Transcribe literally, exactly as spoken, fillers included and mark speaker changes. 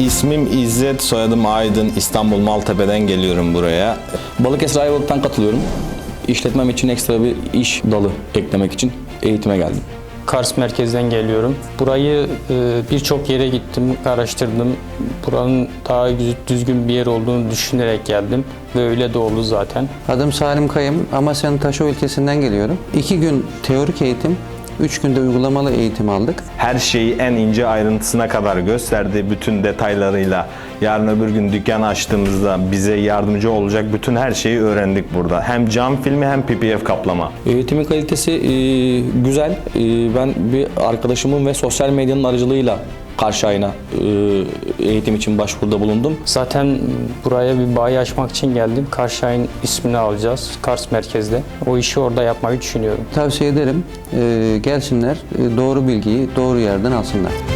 Speaker 1: İsmim İzzet, soyadım Aydın. İstanbul Maltepe'den geliyorum buraya.
Speaker 2: Balıkesir Ayvalık'tan katılıyorum. İşletmem için ekstra bir iş dalı eklemek için eğitime geldim.
Speaker 3: Kars merkezden geliyorum. Burayı e, birçok yere gittim, araştırdım. Buranın daha düzgün bir yer olduğunu düşünerek geldim ve öyle de oldu zaten.
Speaker 4: Adım Salim Kayım, Amasya'nın Taşova ilçesinden geliyorum. İki gün teorik eğitim, üç günde uygulamalı eğitim aldık.
Speaker 1: Her şeyi en ince ayrıntısına kadar gösterdi, bütün detaylarıyla. Yarın öbür gün dükkan açtığımızda bize yardımcı olacak bütün her şeyi öğrendik burada. Hem cam filmi hem P P F kaplama.
Speaker 2: Eğitimin kalitesi e, güzel. E, ben bir arkadaşımın ve sosyal medyanın aracılığıyla Karşıyay'ına e, eğitim için başvuruda bulundum.
Speaker 3: Zaten buraya bir bayi açmak için geldim. Karşıyay'ın ismini alacağız, Kars merkezde. O işi orada yapmayı düşünüyorum.
Speaker 4: Tavsiye ederim, e, gelsinler, e, doğru bilgiyi doğru yerden alsınlar.